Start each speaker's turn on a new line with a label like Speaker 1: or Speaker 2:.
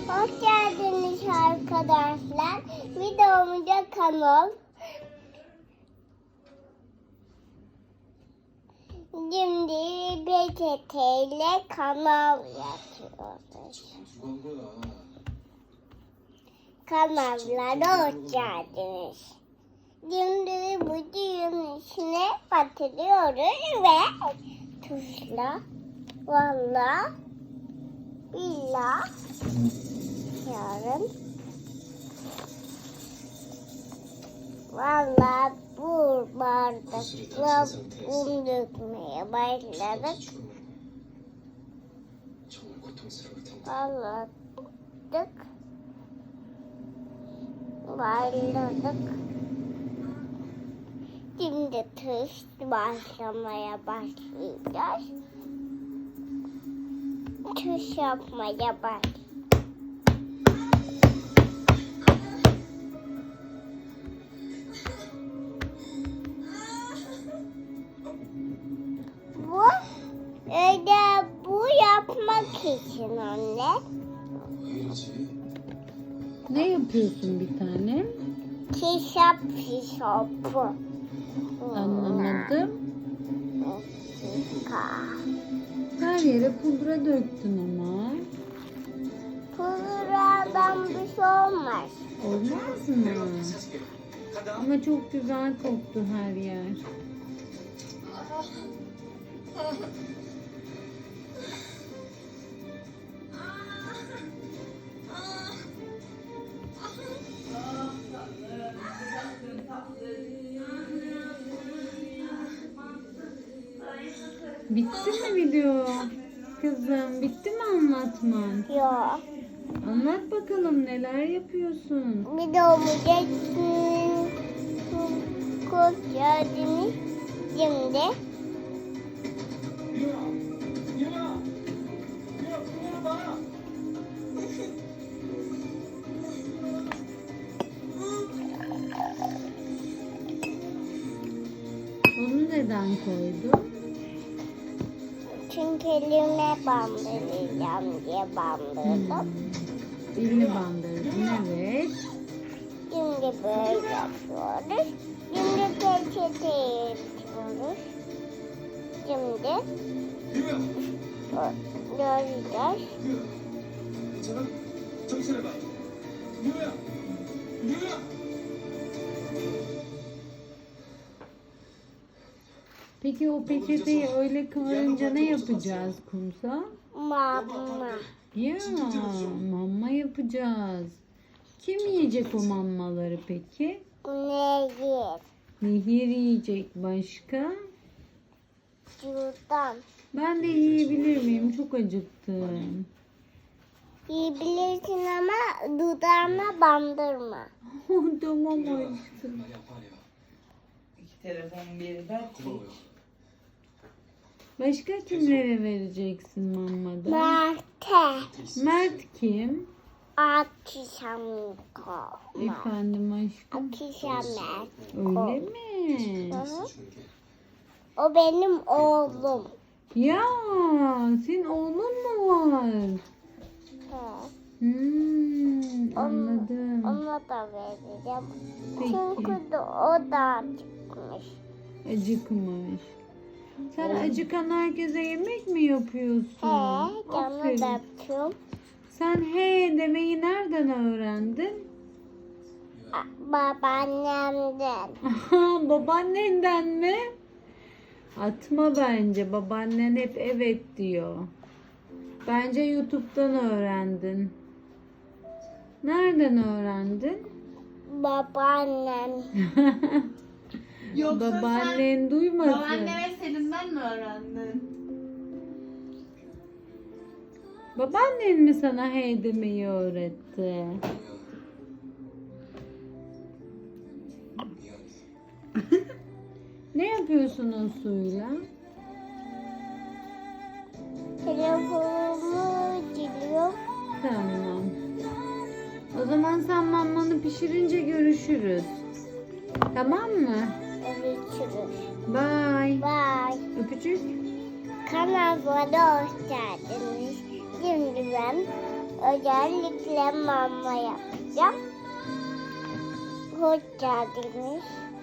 Speaker 1: Hoş geldiniz arkadaşlar. Videomuza kanal. Şimdi peçeteyle kanal yapıyoruz. Kanallara hoş geldiniz. Şimdi bu düğünün içine batırıyoruz ve tuşla valla billah yarın valla bu bardakla un dökmeye başladık. Valla başladık. Şimdi tuz başlamaya başlayacağız. Tuz yapmaya başlayacağız. Bu yapmak için anne.
Speaker 2: Ne yapıyorsun bir tane?
Speaker 1: Kişap.
Speaker 2: Anlamadım. Her yere pudra döktün ama.
Speaker 1: Pudradan bir şey olmaz.
Speaker 2: Olmaz mı? Ama çok güzel koktu her yer. Bitti mi video? Kızım bitti mi anlatman?
Speaker 1: Yok.
Speaker 2: Anlat bakalım neler yapıyorsun?
Speaker 1: Videomuza hoş geldiniz. Şimdi
Speaker 2: Onu neden koydun?
Speaker 1: çünkü elime bandıracağım diye bandırdım.
Speaker 2: Elini bandırdın, evet.
Speaker 1: Şimdi böyle yapıyoruz. Şimdi peçeteyi yapıyoruz. Şimdi göreceğiz.
Speaker 3: 괜찮아? 정신해봐. 유야! 유야!
Speaker 2: Peki o peçeteyi öyle kıvırınca ne yapacağız kumsa?
Speaker 1: Mama.
Speaker 2: Ya mamma yapacağız. Kim yiyecek o mammaları peki?
Speaker 1: Nehir.
Speaker 2: Nehir yiyecek, başka?
Speaker 1: Şuradan.
Speaker 2: Ben de yiyebilir miyim? Çok acıktım.
Speaker 1: Yiyebilirsin ama dudağına bandırma.
Speaker 2: Tamam aşkım.
Speaker 3: 말이 아파하네요.
Speaker 4: İki telefon bir ver.
Speaker 3: 고마워요.
Speaker 2: Başka kimlere vereceksin mammada?
Speaker 1: Merte.
Speaker 2: Mert kim?
Speaker 1: Akşamko.
Speaker 2: Efendim aşkım.
Speaker 1: Akşamer.
Speaker 2: Öyle mi?
Speaker 1: O benim oğlum.
Speaker 2: Ya senin oğlun mu var? Anladım.
Speaker 1: Ona da vereceğim.
Speaker 2: Peki.
Speaker 1: Çünkü de o da çıkmış.
Speaker 2: Acıkmış. Sen acıkan herkese yemek mi yapıyorsun?
Speaker 1: Canı
Speaker 2: Aferin.
Speaker 1: da yapıyorum.
Speaker 2: Sen he demeyi nereden öğrendin?
Speaker 1: Babaannemden.
Speaker 2: Aha, babaannenden mi? Atma bence. Babaannen hep evet diyor. Bence YouTube'dan öğrendin. Nereden öğrendin?
Speaker 1: Babaannem.
Speaker 4: Yoksa
Speaker 2: Babaannen duymasın.
Speaker 4: babaanneme Selim'den mi öğrendin?
Speaker 2: Babaannen mi sana hey demeyi öğretti? Ne yapıyorsun o suyla?
Speaker 1: Telefonumu geliyor.
Speaker 2: Tamam. O zaman sen mammanı pişirince görüşürüz. Tamam mı?
Speaker 1: Görüşürüz.
Speaker 2: Bye.
Speaker 1: Bye.
Speaker 2: Öpücük.
Speaker 1: Kanalıma hoş geldiniz. Şimdi ben Özellikle mama yapacağım. Hoş geldiniz.